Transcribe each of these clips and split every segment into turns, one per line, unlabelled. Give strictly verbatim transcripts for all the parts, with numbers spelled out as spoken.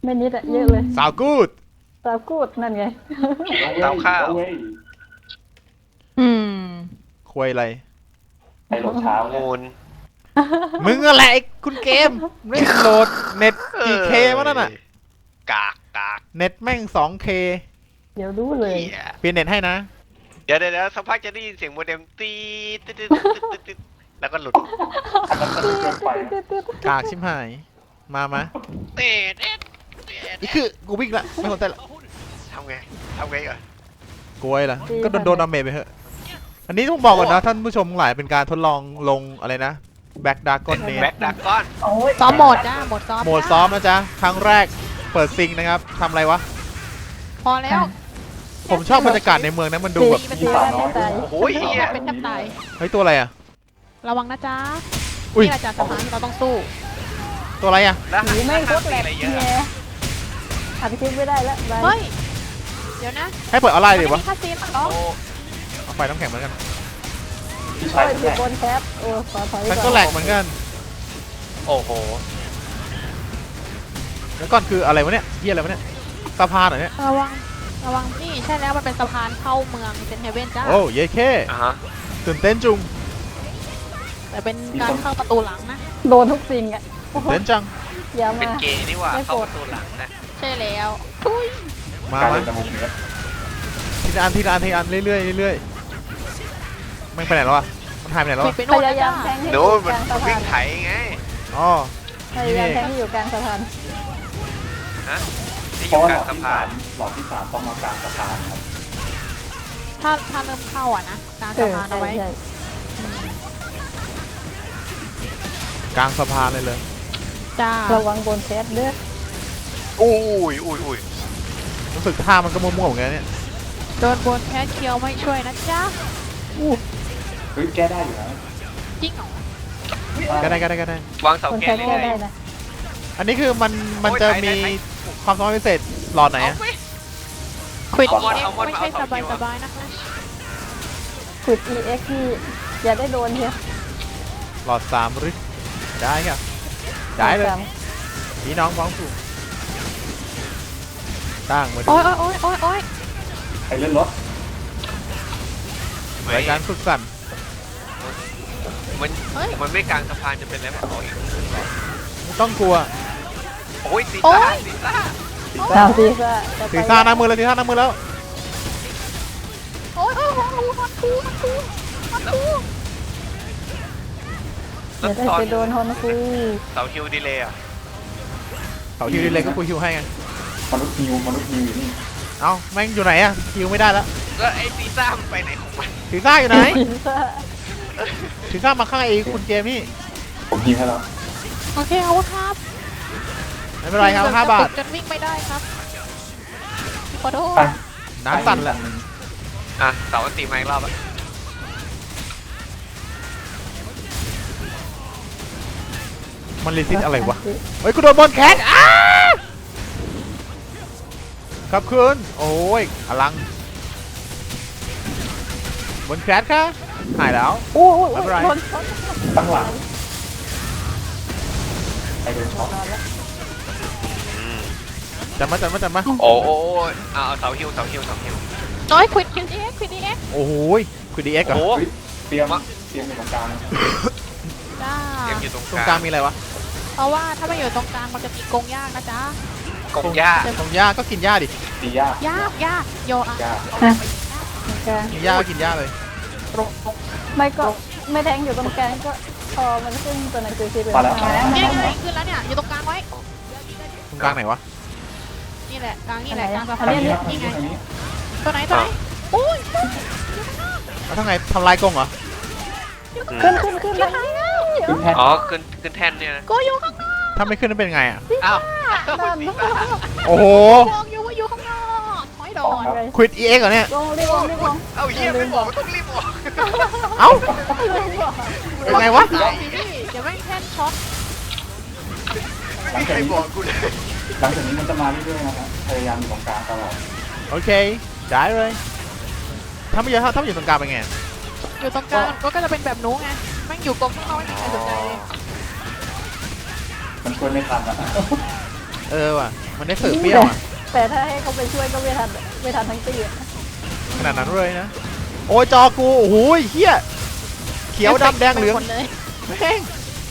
ไม่นิดอะเยอะเลย
สาวกูด
สาวกูดนั่นไง
เตาข้าว
อืม
ควยอะไร
ไอโหลดเช้าเนี่ย
มูล
มึงอะไรคุณเกมไม่โหลดเน็ตกี่เควะนั่นน่ะ
กากกาก
เน็ตแม่ง สองเค
เดี๋ยวรู้เลย
เหี้ย
เปลี่ยนเน็ตให้นะ
เดี๋ยวเดี๋ยวเดี๋ยวสักพักจะได้ยินเสียงโมเด็มตีดตึ๊ดตึ๊ดตึ๊ดตึ๊ดตึ๊ดแล้วก็หลุด
อันนั้นก็เกินไปนะ
กากชิมหาย มามา
เต็ดเอ็ดเอ็ด
นี่คือกูวิ่งละไม่สนใจละ
ทำไงทำไงก่อน
กลัวล่ะก็โดนโดนดาเมจไปเถอะ อันนี้ต้องบอกก่อนนะท่านผู้ชมทั้งหลายเป็นการทดลองลงอะไรนะแบ็กดาร์กอนเน
แบ็คดักก้อน
ซ้อมโหมดจ้าโหมดซ้อม
โหมดซ้อมนะจ๊ะ ครั้งแรกเปิดซิงนะครับทำอะไรวะ
พอแล้ว
ผมชอบบรรยากาศในเมืองนะมันดูแบบ
มัน
ตี
ตี
กั
กัน น
ไม่ตาย
โอ้โหเหี้ย
เป็นแทบตาย
เฮ้ยตัวอะไรอ่ะ
ระวังนะจ๊ะ
อุ้ย
นี่แหละจากสถานที่เราต้องสู้
ตัวอะไรอ่ะ
แล้ว
หนีแม่งโคตรแหลก
อะไรเย
แง
อะ
อัดคลิปไม่ได้แล้วบาย
เฮ้ย เดี๋ยวนะ
ให้เปิดออนไลน์ดิวะ
มันมีคาซีนเหรอ
โอ้
เอาไฟน้ำแข็งเหมือนกัน
พี่
โอ้
ชาย
ย
แห
อยู่
ละ
บนแคปโอ้ขอถอย
ฉัน
ก่
ก็
อน
แหลกเหมือนกัน
โอ้โห
แล้วก่อนคืออะไรวะเนี่ยเฮียอะไรวะเนี่ยสะพานเหรอเนี่ย
ระวัง ระวัง นี่ใช่แล้วมันเป็นสะพานเข้าเมืองเซนเฮเว่นจ้า
โอ้เย้แค่
อ่ะฮะ
ตื่นเต้นจุง
แต่เป็นการเข้าประตูหลังนะ
โดนทุกสิ่งอ่ะโอ้โห
เต้นจัง
อย่า
เป็น
มา
เกย์นี่หว่า
ไม่
เข้า
โกร
ป
ธ
ระตูหลังนะ
ใช่แล้วทุย
มา
การ
มา
เล่นตะมุกเนี้ย
ทีละอันทีละอันทีละอันเรื่อยๆเรื่อยๆไม่งไปไหนแล้วอ่ะมันหายไปไหนแล้ว
ไป
อะ
ไป
พ
โน่น
ยา
นะ
ยา
จ้าม
แทงให้อ
โน้
ยู่
น
ก
มัน
ลางสะ
วิ่
พาง น
ไถไง
อ๋อ
พยายามแทงให้อยู่กลางสะพาน
ฮะที่อ
เพราะ
ยู่
ว่าก หล
ลา
อง ด
สะ
ที่
พา
สาน มหลอดที่สามต้องมากลางสะพานครับ
ถ้าถ้าเริ่มเข้าอ่ะนะกลาง
เอ
สะ
อ
พาน
ใช่
เอาไว้
ใช่
กลางสะพานเลยเลย
จ้า
ระวังบนแคปเด้อ
อุ้ยอุ้ยอุ้ย
รู้สึกท่ามันก็มั่วๆเหมือนกันเนี่ย
โดนบนแคสเคียวไม่ช่วยนะจ๊ะ
เฮ้ยแก้ได้อยู่นะ
จริงเหรอ
ก็ได้ก็ได้ก็ได้
วางเสา
บน
แก
แคน ป
ได้
แก้
ไง
ได้นะ
อันนี้คือมันมันจะมีความสามารถพิเศษหลอดไหน
เอา
อะ
ไป
ควิด
เอาบอล
เอ็ก
เอาบอล
ไม่
มา
ใช่
เอา
ส
สอง
บาย
คิว
ส
อะ
บายๆนะคะ
ขุด อี เอ็กซ์ ที่อย่าได้โดนเฮีย
หลอดสามหรือได้ครับได้เลย
สาม
พี่น้องฟ้องผูกตั้งมาดู
โอ้ยโอ้ยโอ้ยโอ้ย
ใครเล่นรถ
รายการสุดสั่น
มัน
เฮ้ย
มันไม่กลางสะพานจะเป็นแล้วโอ้ย
ไม่ต้องกลัว
โอ้ยซี
โอ๊
ซ่าย ซีซ่า
สามซีซ่าจะไป
สีซ่าหน้ามือแล้วสีซ่าหน้ามือแล้ว
โอ้ยโอ้ยโอ้ยมันคูมันคูมันคู
แล้
เดี๋ยว วได้
ตอน
ไปโดนฮอนคู
เสาฮิวดีเลยอ่ะ
เขาฮิวดีเลยก็คุยฮิวให้ไง
มนุษย์ฮิวมนุษย์ฮิวอยู่นี่
เอ้าแม่งอยู่ไหนอะฮิวไม่ได้แล้ว
แล้วไอ้ซีซ่ามันไปไหนของมัน
สีซ่าอยู่ไหน
ซีซ่า
สีซ่ามาข้างไอ้คุณเกมนี่
ผมฮิวให้แล้ว
โอเคเอาครับ
ไม่เป็นไรครับห้าบาท
จนวิ่งไม่ได้ครับขอโทษ
ไป
น้ำสั่นแหละ
อ่ะเสาอันตีมาอีกรอบอ่ะ
มันรีซิตอะไรวะเฮ้ยกูโดนบอลแคทอ้าครับคืนโอ้ยอลังบนแคทค่ะหายแล้ว
โอ้โห
ไม่เป็นไร
โดนช็อต
ตั้งหลังใครโดนช็อต
นอนแล้ว
จัดมาจัดมาจัดมา
โอ้โอ้เอาเอาเสาฮิวเสาฮิวเสาฮิว
น้อยควิดควิดเอ็กควิดเอ็ก
โอ้โหคือดีเอ็กเหร
โอ้
อ
โห
เฮ้ยเตรียมเตรียมอยู่ตรงกลาง
จ้า
เกมอยู่ตรง
ตรง
ก
กลา
ลาง ง
มีอะไรวะ
เพราะว่าถ้าไม่อยู่ตรงกลางมันจะมีกรงยากนะจ๊ะ
กงหญ้า
ตรงหญ้าก็กินหญ้าดิ
ตียาก
ยากยากโยอะ
ยาก
กลาง
กินหญ้าก็กินหญ้าเลย
ไม่ก็ไม่แทงอยู่ตรงกลางก็พอมันขึ้นตัวหนังสือสีเหลือง
มาแล้ว
มาแล้ว
นี่ไงขึ้นแล้วเนี่ยอยู่ตรงกลางไว้
ตรงกลางไหนวะ
นี่แหละกลางนี่แหละกลางสะ
อั
พาน น
นี้
นี่
เนี่ย
ไง
อันนี้
ตัวไหนตัวไหนอุ้ย
แล้วทำไงทำลายกรงเหรอ
ขึ้นขึ้นขึ้นแล้ว
ขึ้นแท่น
อ๋อขึ้นขึ้นแท่นเนี่ยนะ
ก็อยู่ข้างนอก
ถ้าไม่ขึ้นนั่นเป็นไงอ่ะ
อ้าว
นั่น
ซีซ่า
โอ้โห
บอกอยู่ว่าอยู่ข้างนอกถอยโดน
ควิดอีเอ็กเหรอเนี่ย
ลงรีบลงรีบลง
เอ้าเยี่ยไม่บอกต้องรีบบอก
เอ้า
ลืมบอก
เป็นไงวะ
ตายสิพี่เดี๋ยวแม่งแท่นช็อต
หลัง
ใค
จาก
ร
นี้
บอกกูเลย
หลังจากนี้มันจะมาเรื่อยๆนะครับพยายามอยู่ตรงกลางตลอด
โอเคได้เลย ถ้าไม่เยอะถ้าไม่อยู่ตรงกลางเป็นไง
อยู่ตรงกลางก็ก็จะเป็นแบบหนู้ไงแม่งอยู่กรงข้างนอกไม่มีใครสนใจเลย
มันช่วยไม่ทันอะ
เออว่ะมันได้เสิร์ฟเปรี้ยวอะ
แต่ถ้าให้เขาไปช่วยก็ไม่ทันไม่ทันทั้งตีอะ
ขนาดนั้นเลยนะโอ้ยจอกูโอ้โหเฮียเขียวดำแดงเหลือง
หมดเลย
แม่ง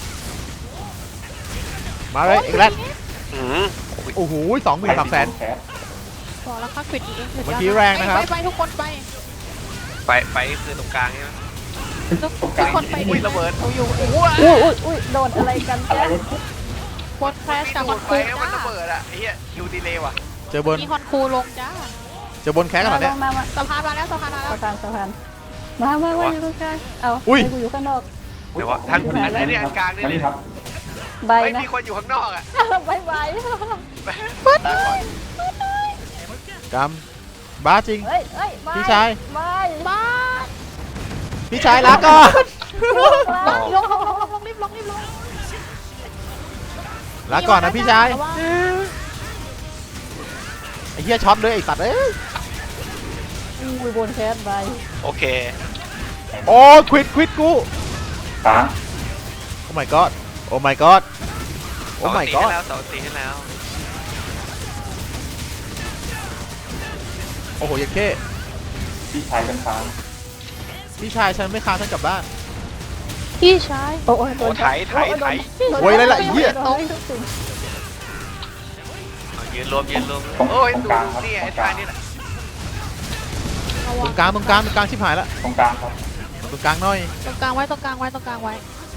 มาเลยอีกแล้ว
อืม
โอ้โหสองหมื่นสามแสน
แคส
บอกแล้วค่ะปิดเอง
เมื่อกี้แรงนะครับ
ไปไปทุกคนไป
ไปไปคือตรงกลางใช่ไหม
ทุกทุกคนไป
อุ้ยระเบิด
เอาอยู่เอง
อุ้ยอุ้ยอุ้ยโดนอะไรกัน
อะไร
แจ๊
วะ
บนแครชจากฮ
ดู
อน
ด
คู
ไปแล้วมันระเบิดอะไอ้เหี้ยคิวดีเลยว่ะ
เจอบน
มีฮอนคูลงจ้า
เจอบนแคสกันเหรอเนี่ย
มามา
สะพานมาแล้วสะพานมาแล้ว
สะพานสะพานมามามาอยู่ตรงกลางเอา
อุ้ย
ให้กูอยู่ข้างนอก
เดี๋ยววะทางอันนี้อันกลางนี่
อัน
เล
นี้
ย
ครับ
ใบ
ไม่
นะ
มีคนอยู่ข้างนอกอะ
บายบาย
ได้ก่อน
กำบ้าจริง
เฮ้ยเฮ้ยบาย
พี่ชาย
บาย
บ้าน
พี่ชายลาก่อน
ลงลงลงลงลงรีบลงรีบลง
ลาก่อนนะพี่ชาย
ระวัง
ไอ้เหี้ยช็อตเลยไอ้สัตว์เอ้ย
อุ้ยบนแคสใบ
โอเค
โอ้ควิดควิดกู
กลาง
โอ้ my god โอ้ my god โอ้ my
สอง
god
ตีให้แล้วสองตีให้แล้ว
โอ้โหยังเค้
พี่ชายกันค้าง
พี่ชายฉันไม่ค้างฉันกลับบ้าน
พี่ชาย
โอ้ยโด
โอ้
น
ไถไถไถ
โวยอะไรล่ะไอ้เหี้ย
โดนทุกสิ่ง
เอายืนรวมยืนรวมโอ้ยดูนี่ไอ้ท่านี่แหละ
ระ
ต
วั
รง งกลางตรงกลางตรงกลางชิบหายละ
ตรงกลางครับ
ตรงกลางหน่อย
ตรงกลางไว้ตรงกลางไว้ตรงกลางไว้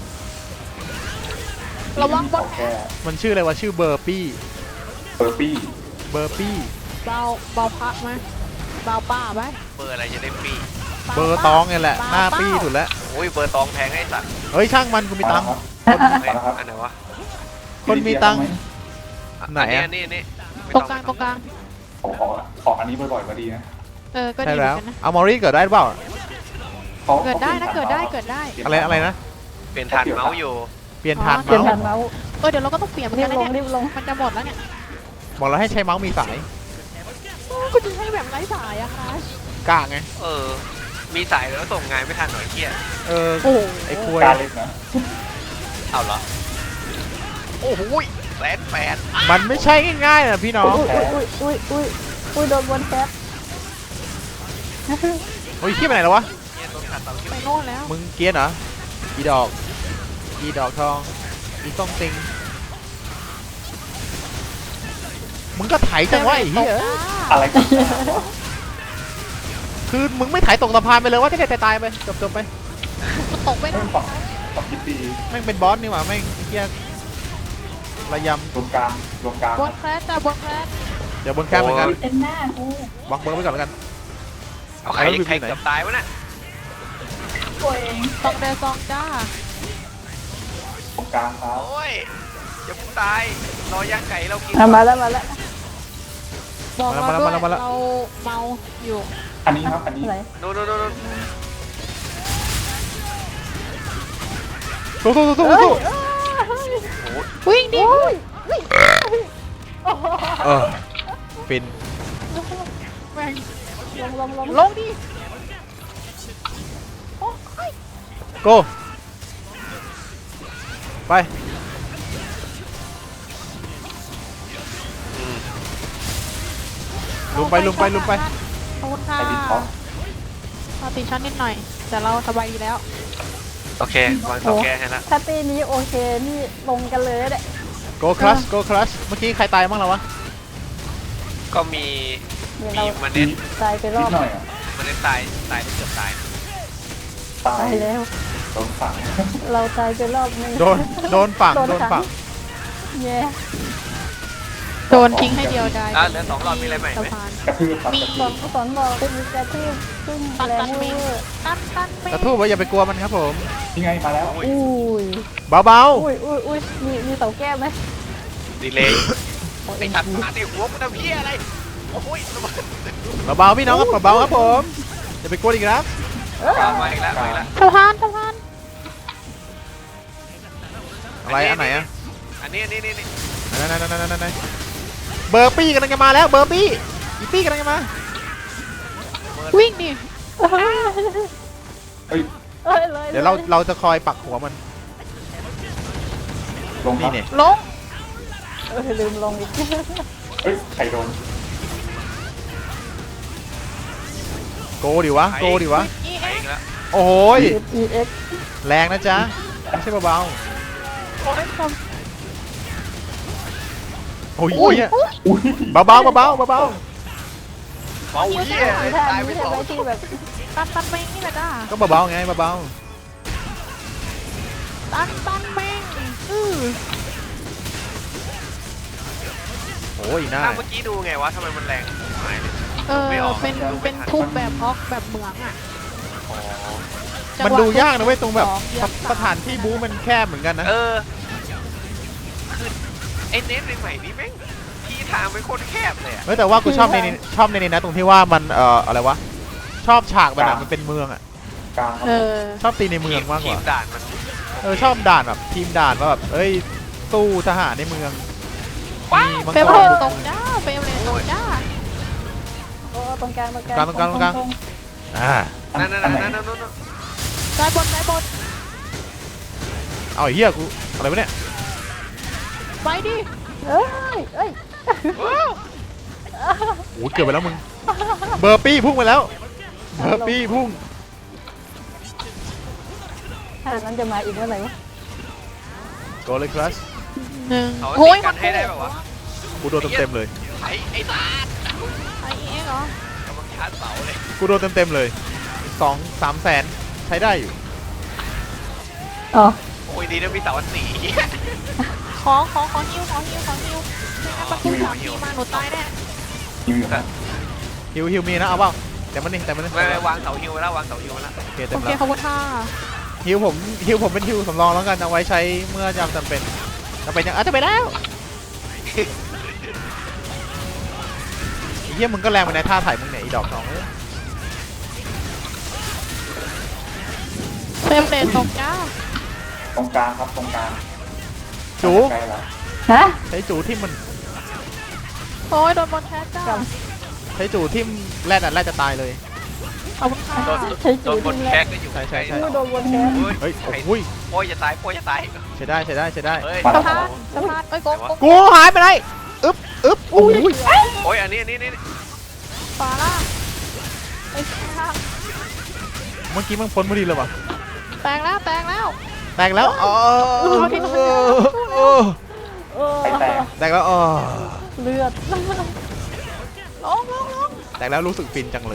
ระวังบน
แค่
มันชื่ออะไรวะชื่อเบอร์ปี้
เบอร์ปี้
เบอร์ปี้
เบาเบาพักไหมเบาป้าไหม
เบอร์อะไรจะได้ฟรี
เบอร์ตองไงแหละหน้าปี้สุดแล้ว
โอ้ยเบอร์ตองแพงไอ้สัตว์
เฮ้ยช่างมันกูมีตังค์
เฮ้ยอันไหนวะ
คนมีตังค์ ไหนอะ
อันนี้อันนี้ไม่
ตร
อง
กลางตรงกลาง
ขอขอขออันนี้บ่อยๆก็ดีนะ
เออก็
ใช่
ดีเหมือ
แล้ว
นกันนะ
เอามอรี่เกิดได้หรือเปล่า
ขา
เกิดได้นะ
ขา
เกิดได้เกิดได้
อะไรอะไรนะ
เปลี่ยนฐานเมาส์อยู่
เปลี่ยนฐาน
เปลี่ยน
เมาส์
ฐานเมาส์
เออเดี๋ยวเราก็ต้องเปลี่ยนเหมือน
รี
กับ น
ล
นะ
ง
เนี่ย
รีบลง
มันจะหมดแล้วเนี่ย
บอกแล้วให้ใช้เมาส์มีสาย
ก็จะให้แบบไร้สายอะคะ
กล้าไง
เออ มีสายแล้วส่งงานไม่ทันหน่อยเกี้ย
เออ
โอ้โห
ไอ้ควย
กลางเล็กนะ
เอาเหรอ โอ้โหแสนแปด
มันไม่ใช่ง่ายๆนะพี่น้อง
อุ้ยอุ้ยอุ้ยอุ้ยอุ้ยโดนบนแคส
โอ้ยขี้ไปไหนแล้ววะ
เนี่ยโดนขาดเตา
ไปโน่นแล้ว
มึงเกรียนเหรออีดอกอีดอกทองอีต้องติงมึงก็ไถจังวะไอ้เหี้ย
อะไรกัน
คือมึงไม่ไถตกสะพานไปเลยว่าจะได้ตายๆไปจบจบๆไป
มันตกไป
เล่นฝั่งฝั่งคิดดี
แม่งเป็นบอสนี่หว่าแม่งไอ้เหี้ยระย
รวมกลางรวมกลาง
บนแคสจ้ะบนแคส
ำเดี๋ยวบนแคมเหมือนกัน
เต็มหน้ากู
วางเบอร์ไว้ก่อนแล้วกัน
เอาใคร
แล้ววิว
ใคร
อยู่ไหน
เกือบตายวะน่ะ
ตัวเอง
สองเดซองจ้า
ตรงกลางครับ
โอ้ยอย่าเพิ่งตาย รอย่างไก่เรากิน
อ่ะมาแล้วมาแล้ว
บอกเรา
มาแล้ว
ด้วย
มาแล้ว
เราเมาอยู่
อันนี้ครับอันนี้
ไหน
โน่นโน่นโน่นโน่น
สู้สู้สู้สู้
เฮ้ย
สู้
วิ่งดิ
โอ้ยโอ้โห
เออฟิน
แม่ง
ลงลงลง
ลงดิ
โกไป
อืม
ลุมไปลุมไปลุมไป
ขอบคุณค่ะ
ไอดิท็อป
เราติดชั้นนิดหน่อย แต่เราสบายดีแล้ว
โอเควางเสาแก้ให้ละ
ถ้าตีนี้โอเคนี่ลงกันเลยแหละ
โกคลัชโกคลัชเมื่อกี้ใครตายบ้างแล้ววะ
ก็มี
เดี๋ยว
มี
เรา
มันเน้น
ตายไปร
นิ
อ
ด
บ
หน่อยอ่ะ
มันเน้นตายตายได้เกือบตายนะ
ตา
ตาย ยแล้ว
โดนฝัง
เราตายไปรอบนึง
โดนโดนฝั่ง
โดน
โดน
ขัง
ฝั่ง
แย่
โดนทิ้งให้เดียวดาย
อ่ะเหลือสองรอบมีอะไรใหม่
สะ
ไหม
พาน
กระทืบครับ
มี
สอนสอนบอกมีกระทืบซึ่ง
ตัน
แร
ตั
ง
น
เว
มิง
อร์
ตันตันมิง
กระทู้ไว้อย่าไปกลัวมันครับผม
ยังไงมาแล้ว
อุ้ย
อุ้ย
เบา
อุ้ยอุ้ยอุ้ยมีมีเสาแก้วไหม
ดีเลย
โอ้ย
ไอ้ทัดมาดิหัวมันทำเพี้ยอะไร โอ้ยระเบิด
ๆเบาๆพี่น้องครับเบาๆครับผมอย่าไปกลัวอีกนะ
ตามมาอีกแล้วมาอีกแล้ว
สะพานสะพาน
อะไรอันไหนอะ
อันนี้อันนี้นี่นี่
นั่นนั่นนั่นนั่นนั่นเบอร์ปี้กำลังจะมาแล้วเบอร์ปี้อีปี้กำลังจะมา
วิ่งดิ
เฮ้ย
เอ้ยเลย
เดี๋ยวเราเราจะคอยปักหัวมัน
ลงค
นี่
รับ
เนี่ย
ลง
เออลืมลงอีก
เฮ้ยใครโดน
โกดิวะโกดิวะ
อี
ไป
เอ็
อีกแล้ว
โอ้โหย
อีเอ็ก
แรงนะจ๊ะไม่ใช่เบา
โอ้ยผม
ๆโอ้ยเหี้ย
อุ้ย
เบาๆเบาๆเบา
เบาเหี้ย
มีท่า
ตาย
มี
ไป
ท่า
สอง
ไว้ที่แบบ
ตันตันเมงนี่แหละจ้า
ๆก็เบาๆไงเบา
ตันตันเมงอือ
ๆโอ้ยหน้า
อ้าวเมื่อกี้ดูไงวะทำไมมันแรงหายเลย
เออ
ไม่ออก
เป็นเป็นทุบแบบฮอกแบบเหมืองอ่ะ
อ๋อ
จังหวะ
มันดูยากนะเว้ยตรงแบบ
สองเหยียบ
สถานที่บู๊มันแคบเหมือนกันนะ
เออคือไอ้เน็ตใหม่ๆนี่แม่งที่ทางเป็นโคตรแคบเลยอะ
เฮ้ยแต่ว่ากูชอบในนี้ชอบในนี้นะตรงที่ว่ามันเอ่ออะไรวะชอบฉากมันอะมันเป็นเมืองอะ
กลางครับ
เออ
ชอบตีในเมืองมากก
ที
ว่า
มด่านมัน
เออชอบด่านแบบทีมด่านว่าแบบเอ้ยสู้ทหารในเมืองมีมัง
เฟรม
ก
เลย
ร
ตรงจ้าเฟรมเลยตรงจ้า
โอ้ตรงกลางตรงกลาง
ตรงกลางตรงกลาง อ่า
นั่นนั่น
อัไห
นั่นนั่นนั่น
ซ้ายบนซ้ายบน
เอาไอ้เหี้ยกูอะไรวะเนี่ย
ไปดิ
เอ้ยเอ้ย
โอ้ยเกือบไปแล้วมึงเบอร์ปี้พุ่งไปแล้วเบอร์ปี้พุ่ง
ท่านั้นจะมาอีกเมื่อไหร่วะ
โกเลยคลัส
หนึ่ง
เขา
โอ้ย
ตีกันให้ได้แบบวะ
กูโดนเต็มๆเลย
ไอ้ไอ้ตา
ไอเอ็กเหรอก
ำลังชาร์จเสาเลย
กูโดนเต็มๆเลยสองสามแสนใช้ได้อยู่
อ๋อ
โอ้ยดีนะมีเสาอันสี
ขอขอขอฮิวขอฮิวขอฮิวไม่งั้นมันพุ่งสามทีมาหนูตายแน่
ยิงอยู่ครับ
ฮิวฮิวมีนะเอาเปล่าแต่มันนี่แต่มันนี่
ไม่ไม่วางเสาฮิวไว้แล้ววางเสาฮิวไว้แล้ว
โอเคเต็
โอ
ม
เค
แล้ว
ขอบคุณค่ะ
ฮิวผมฮิวผมเป็นฮิวสำรองแล้วกันเอาไว้ใช้เมื่อจำจำเป็นจำเป็นยังอ่ะจะไปแล้วไอ้เหี้ยมึงก็แรงไปในท่าถ่ายมึงเนี่ยไอีดอกสองเอ้ย
เฟรมเลยตรงจ้า
ตรงกลางครับตรงกลาง
จู
ใกล้แล้ว
ฮะ
ใช้จูที่มัน
โอ้ยโดนบอลแคสจ้า
ใช้จูที่แรดอ่ะแรดจะตายเลย
ขอบคุณค่ะ
โดนโดนบนแคกก็อยู่
ใช่ใช่ใช่
ดูโดนวนแคส
เฮ้ย
เฮ้ยโอ้ย
โอ้ยจะตายโอ้ยจะตาย
ใช้ได้ใช้ได้ใช้ได้
เฮ้ย
สะพานสะพานเอ้ยโกงโกง
กูหายไปไหนอึ๊บอึ๊บโอ้ย
โอ้ยอันนี้อันนี้นี่
ขวาล่างไอ้ยข้าง
เมื่อกี้มึงพ้นพอดีเลยว่ะ
แตกแล้วแตกแล้ว
แตกแล้วอ๋อ
โอ้
ใครแตก
แตกแล้วอ๋อ
เลือด
ลงลงลง
แตกแล้วรู้สึกฟินจังเลย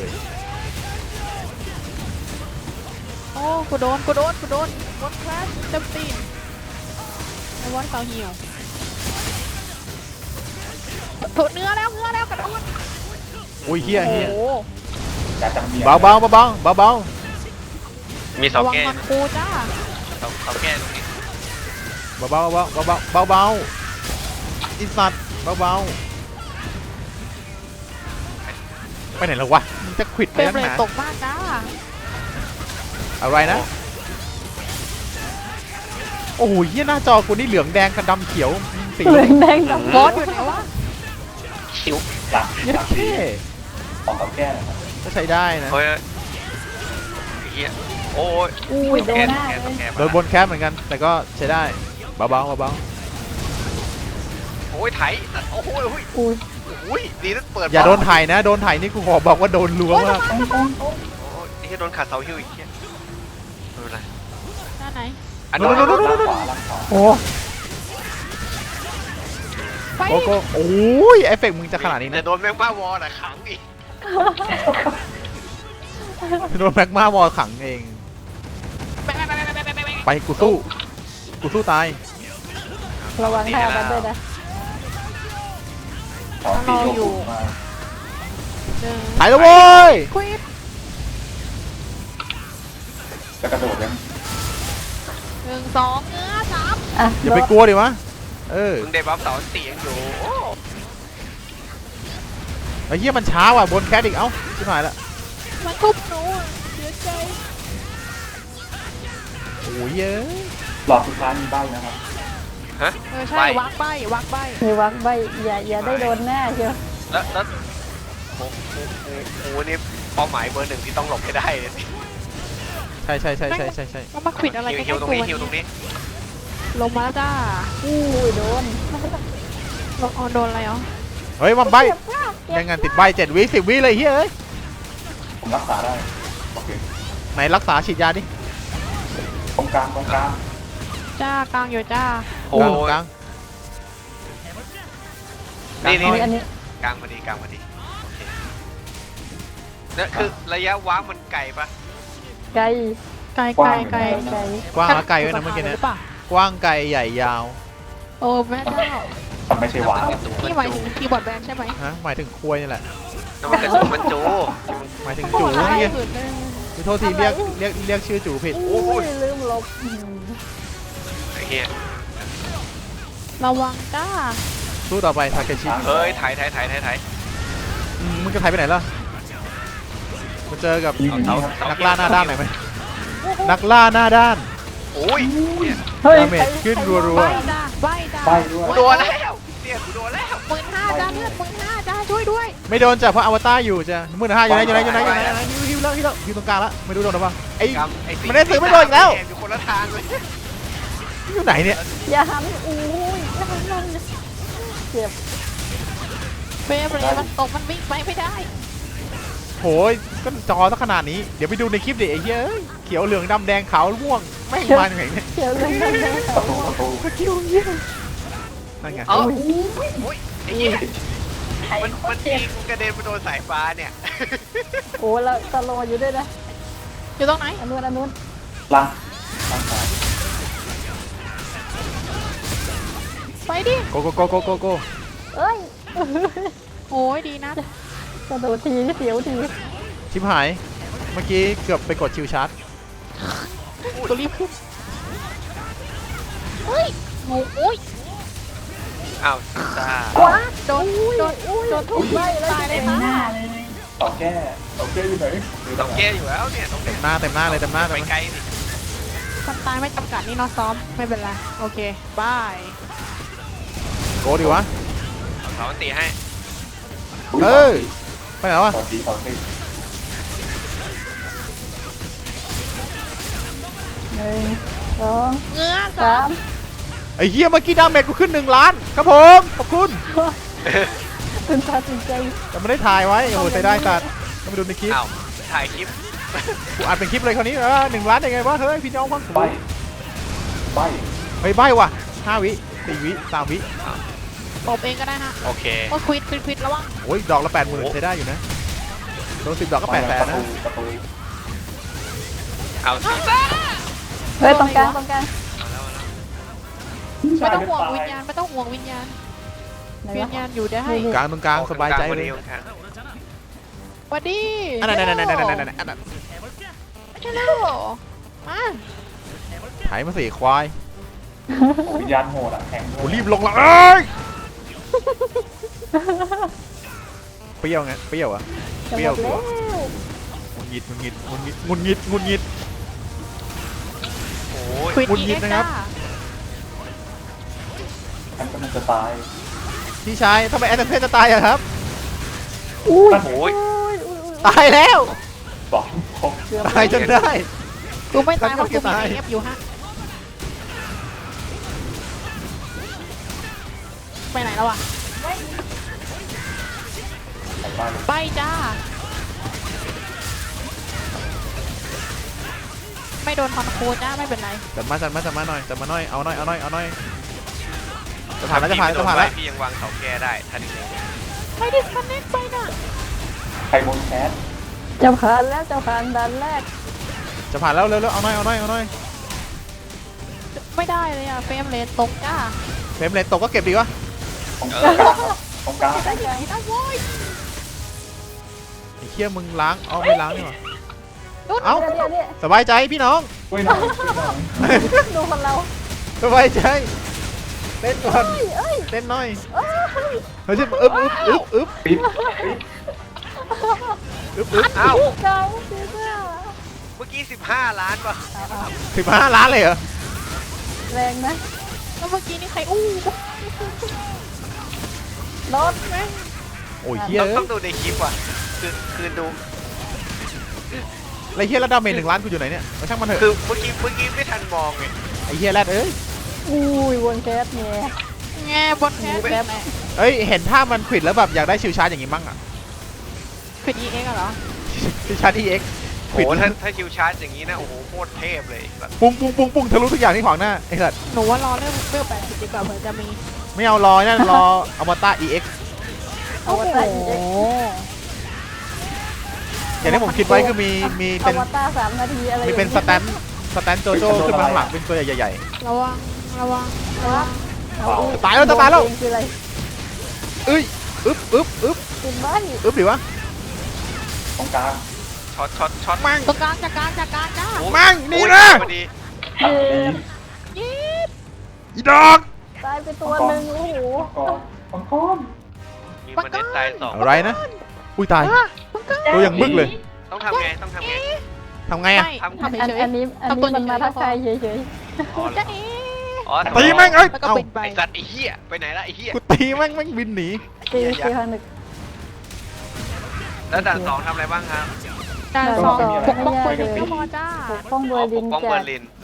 โอ้กูโดนกูโดนกูโดนบอลแคสเต็มตีนไอ้วอนเสาเหี่ยวถูกเนื้อแล้วเนื้อแล้วกระโดด
อุ้ยเฮีย
โอ้
เฮีย
โห
อยากจะเมีย
เบาเบาเบาเบาเบาเบา
มีเสา
ระวัง
แก้
มันคูจ้า
เสาเสาแก้ตรงนี้
เบาเบาเบาเบาเบาเบาเบาอิสัตเบาเบาไปไหนแล้ววะมึงจะขวิด
เฟ
ไป
รม
นัก
เล
ห
ย
นา
ตกมากจ้า
อะไรนะโอ้โหเฮียหน้าจอกูนี่เหลืองแดงกับดำเขียวสี
เหลืองแดงดำ
บอสอยู่ไหนวะ
คิว
หลัก
เย
หลั
อะ
ก
เท่
ของเขาแก้นะครับ
ก็ใช้ได้นะ
โอ้ยเฮียโอ้ย
อุ้ยโด
แก้
นหน้า
แก้
เลย
แก้
โดนบนแคปเหมือนกัน แต่ก็ใช้ได้เบาเบาเบาเบา
โอ้ยไถโอ้โห
อุ้ย
โอ้ยดีนะเปิด
อย่าโดนถ่ายนะ โดนถ่ายนี่กูขอบอกว่าโดนรัวมาก
ตรงตรงตรง
โอ้ยไอ้โดนขาดเสาฮิวอีกเฮียไม่เป็นไร
หน้าไหน
อัน
โน่
นู้
น
น
โน่นโน่น
ล่างขวาล่างขวา
โอ้
ไป
โกโก้โอ้ยเอฟเฟกต์มึงจะขนาดนี้
จะ
นะ
โดนแมงม่าวอลอะขังอีก
โดนแม็กมาวอลขังเอง
ไปไปไปไปไปไปไป
ไปกูสู้ กูสู้ตาย
ระวังท่ามันด้วยนะ
ขอตีโยกมา
หนึ่ง
ถ่ายแล้วเว้ย
ควิด
จะกระโดดยัง
หนึ่งสองเนื้อสาม
อ่ะ
อย่าไปกลัวดิวะ เออ
มึงได้บัฟเสาเสียงอยู่โอ้
ไอ้เหี้ยมันช้าว่ะบนแคทอีกเอ้าชิบหายละ
มันทุบหนูอะเสียใจ
โอ้ยเย้ย
หลอดสุดท้ายมีใบนะครับ
ฮะ
เออใช่วักใบวักใบ
มีวักใบอย่าอย่าได้โดนหน้าเชียว
แล้วแล้วโอ้โหโอ้โหนี่เป้าหมายเบอร์หนึ่งที่ต้องหลบให้ได้เลย
ใช่ใช่ใช่ใช่ใช่ใช่
ก็มาควิดอะไร
ฮิว
กัน
ฮิวตรงนี้ฮิวตรงนี้
ลงมาแล้วจ้า
อุ้ยโดน
ลงเอาโดนอะไรเหรอ
เฮ้ยมันใบ
เจ็บมากเจ็บ
ยังไงติดใบเจ็ดวิสิบวิเลยเฮ้ย
ผมรักษาได้โอเค
ไหนรักษาฉีดยาดิ
ตรงกลางตรงกลาง
จ้ากลางอยู่จ้า
โอ้
กลาง
ยนี่นี่
อันนี้
กลางพอดีกลางพอดีโอเคนั่นคือระยะว้างมันไกลปะ
ไกล
ไกลไกลไกล
ไกล
กว้างและไกลด้วยนะเมื่อกี้เนี่ย
หรือเปล่าก
ว้างไกลใหญ่ยาว
โอ้แม่เจ้า
มันไม่ใช่หวาน
พี่หมายถึงคีย์บอร์ดแบนใช่ไหม
ฮะหมายถึงควยนี่แหละ
น้ำมันกระสุนมันจู
หมายถึงจูนี่ไงขอโทษทีเรียกเรียกเรียกชื่อจูผิด
อุ้ยลืมลบอืม
ไอ้เหี้ย
ระวังจ้า
สู้ต่อไปทาเคชิ
เฮ้ยถ่ายถ่ายถ่ายถ่ายถ่าย
อืมมึงจะถ่ายไปไหนล่ะมาเจอกับ
ยิงอย่างนี้ครับ
นักล่าหน้าด้านหน่อยไหมนักล่าหน้าด้าน
โอ้ยเนี่ย
เฮ้ย
ดาเมจขึ้นรัว
ใบจ้าใบจ้า
ใบด้วย
กูโดนแล้วเนี่ยกูโดนแล้ว
หมื่นห้าจ้าเลือดหมื่นห้าจ้าช่วยด้วย
ๆไม่โดนจับเพราะอวตารอยู่จ้ะมือหนึ่งห้าอยู่ไหนอยู่ไหนอยู่ไหนอยู่ไหนอยู่ไหนฮิวฮิวแล้วฮิวแล้วฮิวตรงกลางแล้วไม่รู้โดนหรือเปล่าไอ้
กำไอ้
มันได้ซื้อไม่โดนอีกแล้ว
อยู่คนละทางเลย
อยู่ไหนเนี่ย
อย่าหันอุ้ยอย่าหันมันเจ็บ
เฟรมเลยมันตกมันวิ่งไปไม่ได้
โหยก็จอสักขนาดนี้เดี๋ยวไปดูในคลิปดิไอ้เหี้ยเอ้ยเขียวเหลืองดำแดงขาวม่วงแม่งมาจากไหนเนี่ย
เจ็บเลยนั่นเลย
ประตูประตู
คิวยิ่ง
นั่นไง
เอ้าอุ้ยไอ้เหี้ยมันมันยิงกระเด็นไปโดนสายฟ้าเนี่ย
โอ้แล้วตะโลอยู่ด้วยนะ
อยู่ตรงไหน
อันนู้นอันนู้น
ล่างล่างซ้าย
ไปดิ
โกโกโกโกโกโก
เอ้ย
โอ้ยดีนะ
กระโดดทีเสียวที
ชิบหายเมื่อกี้เกือบไปกดชิวชาร์จ
ตัวรีบขึ้นเฮ้ยโอ้โอ้ย
อ้าวจ้า
ว้า
โดนโดน
อุ้ย
โดนทุบ
ไล่แล้ว
ตายเลยค่ะ
ต่อแก้ต่อแก้อยู่ไหน
ต้องแก้อยู่แล้วเนี่ยต้อง
เต็มหน้าเต็มหน้าเลยเต็มหน้า
ไป
เต็มห
ไกล
น้า
ดิ
คนตายไม่จำกัดนี่เนาะซ้อมไม่เป็นไรโอเคบาย
โกดิวะ
เอาเสาอันตีให้
เอ้ยไปไหนวะ
ต่อสีต่อสี
หนึ่งสอง
เงื้อ
สาม
ไอ้เหี้ยเมื่อกี้ดาเมจกูขึ้นหนึ่งล้านครับผมขอบคุณ
คุณตัดสินใจ
แต่ไม่ได้ถ่ายไว้โอ้โหใส่ได้สัตว์ต้องไปดูในคลิป
อ้าวถ่ายคลิป
กูอัดเป็นคลิปเลยคราวนี้เออหนึ่งล้านยังไงวะเฮ้ยพี่น้องฟัง
ใบใบ
เฮ้ยใบว่ะห้าวิสี่วิสามวิ
ตบเองก็ได้ฮะ
โอเค
โอ้ยควิดควิดควิดระวัง
โอ้ยดอกละแปดหมื่นใช้ได้อยู่นะโดนสิบดอกก็แปดแสน
ประ
นะ
ตูประตู
เอาสิจ้า
เฮ้ยตรงกลางตรงกลาง
เอาแล้วเอาแล้ว
ไม่ต้องห่วงวิญญาณไม่ต้องห่วงวิญญาณ
ไหน
วิ
วะ
ญญาณอยู่ได้
กลางตรงกลางสบายใจ
กลง
เลย
กลาง
สวัสดี
อันนั้นอันนั้นอันนั้นอันนั้นอันนั้นอันนั้น
ฮัลโหลมา
ถ่ายมาสี่ควาย
วิญญาณโหดอ่ะแข็ง
โอ้รีบลงละเอ้ยเปรี้ยวไงเปรี้ยวอะ
จะ
เป
ห
รี้
ม
ยว
ด
ตั
แล้ว ว
งุนงิดงุนงิดงุนงิดงุนงิดงุนงิด
โอ้ย
ควิด
หงุด
อี
หงิ
เอ็
ด
ก
นะครับ
จ้า
ฉันกำลังจะตาย
พี่ชายทำไมแอนเทนจะตายอะครับ
อุ้ย
โอ้ย
อุ้ยอุ้ยอุ้ย
ตายแล้ว
สองครบ
เกือบ
ตายจนได้
กูไม่ตายเพราะกู
ตา
มี
ย
เอฟอยู่ฮะไปไหนแล้วอ่ะ
ใส่บ้าน
ไปจ้าไม่โดนคอนโคจ้าไม่เป็นไร
จัดมาจัดมาจัดมาหน่อยจัดมาหน่อยเอาหน่อยเอาหน่อยเอาหน่อยจะผ่านแล้วจะผ่านแล้วจะผ่านแล้ว
พี่ยังวางเสาแก้ได้ทันที
ไม่ดิสคอนเนคไปน่ะ
ใครบนแคส
จะผ่านแล้วจะผ่านด่านแรก
จะผ่านแล้วเร็วๆเอาหน่อยเอาหน่อยเอาหน่อย
ไม่ได้เลยอ่ะเฟรมเลนตกจ้า
เฟรมเลนตกก็เก็บดีวะ
ตรงกลางครับตรงกลาง
กลางกลาง
นะโว้ย
ไอ้เคี้ยมึงล้างเอาไม่ล้างนี่หว่า
นุ่น
เอ้า
เดี๋ยวเดี๋ยวเดี๋ยว
สบายใจพี่น้อง
ช่วยหน่อยช่วยหน่อย
ดูคนเรา
สบายใจเต้นก่อน
เอ้ยเอ้ย
เต้นหน่อย
เอ้ย
เฮ้ยชิบอึ๊บอึ๊บอึ๊บอึ๊บ
ปิดปิด
อึ๊บอึ๊บ
อ้าว
กลางสีเสื้อ
เมื่อกี้สิบห้าล้านป่ะ
เอาเอา
สิบห้าล้านเลยเหรอ
แรงนะ
แล้วเมื่อกี้นี่ใครอู้
รถไหม
โอ้ยเฮีย
ต้อง
เอ้
ต้อย งดูในคลิปว่ะคือคือดู
ไรเฮียแล้วดาเมจหนึ่งล้านกูอยู่ไหนเนี่ยมาช่างมันเถอะ
คือเมื่อกี้เมื่อกี้ไม่ทันมองไง
ไอ้เฮียแรดเอ้ย
อุ้ยวนแคสเนี่ย
แง่บอลแคส
แป๊บ
เอ้ยเห็นท่ามันขวิดแล้วแบบอยากได้ชิวชาร์จอย่างงี้มั่งอ่ะ
เป็น อี เอ็กซ์ เหรอ
ชิวชาร์จ อี เอ็กซ์
โอ้โหถ้าถ้าคิวชาร์จอย่างนี้นะโอ้โหโคตรเทพเลยแบบ
ปุ้งปุ้งปุ้งปุ้งทะลุทุกอย่างที่ขวางหน้าไอ้สัตว์
หนูว่ารอเรื่องเรื่องแปดสิบดีกว่าเผื่อจะมี
ไม่เอารอนั่นรออมตะ อี เอ็กซ์
เอาวตารอีเอ็ก
อย่างที่ผมคิดไว้คือมีมี
อ
เป็น
วตารสามนาทีอะไร
มีเป็นสแตนสแตนโจโจ้ขึ้นมาข้างหลังเป็นตัวใหญ่
ระวังระวังระวัง
ตายแล้วจะตายแล้ว
คืออะไร
ๆเอ้ยอึ๊บอึ๊บอึ๊บ
กินบ้าน
อึ๊บดิวะ
ตรงกลาง
ช็อตช็อตช็อต
มั่ง
ตรงกลางจัดการจัดการจ้า
โอ้
มั่งนี่
โอ้ย
นะ
พอดี
คือ
ยีด
อีดอก
ตายไปตัวหนึ่งโอ้โห
มังกรมังกร
มีมันเด็ดตายสอง
อะไรนะอุ้ยตาย
ตรงกลาง
ตัวอย่างบึกเลย
ต้องทำไงต้องทำไง
ทำไงอะ
ไม่
ทำ
ทำ
อัน
เฉย
อันนี้อันนี้มันมาทักทายเฉย
อ๋อ
ๆจะเอ๋
อ๋อ
ตีแม่งเอ้ย
แล้วก็
เอ้า
ปิดไป
ไอสัตว์ไอเหี้ยไปไหนละไอเหี้ย
กูตีแม่งแม่งบินหนี
ๆตีตีพันหนึ่ง
แล้วด่านสองทำอะไรบ้างครับ
การสองปกป้องคนอื่นก็พอจ้า
ปกป้องเบอร์ลิน
ปกป้อง
จา
เบอก ร์ลิน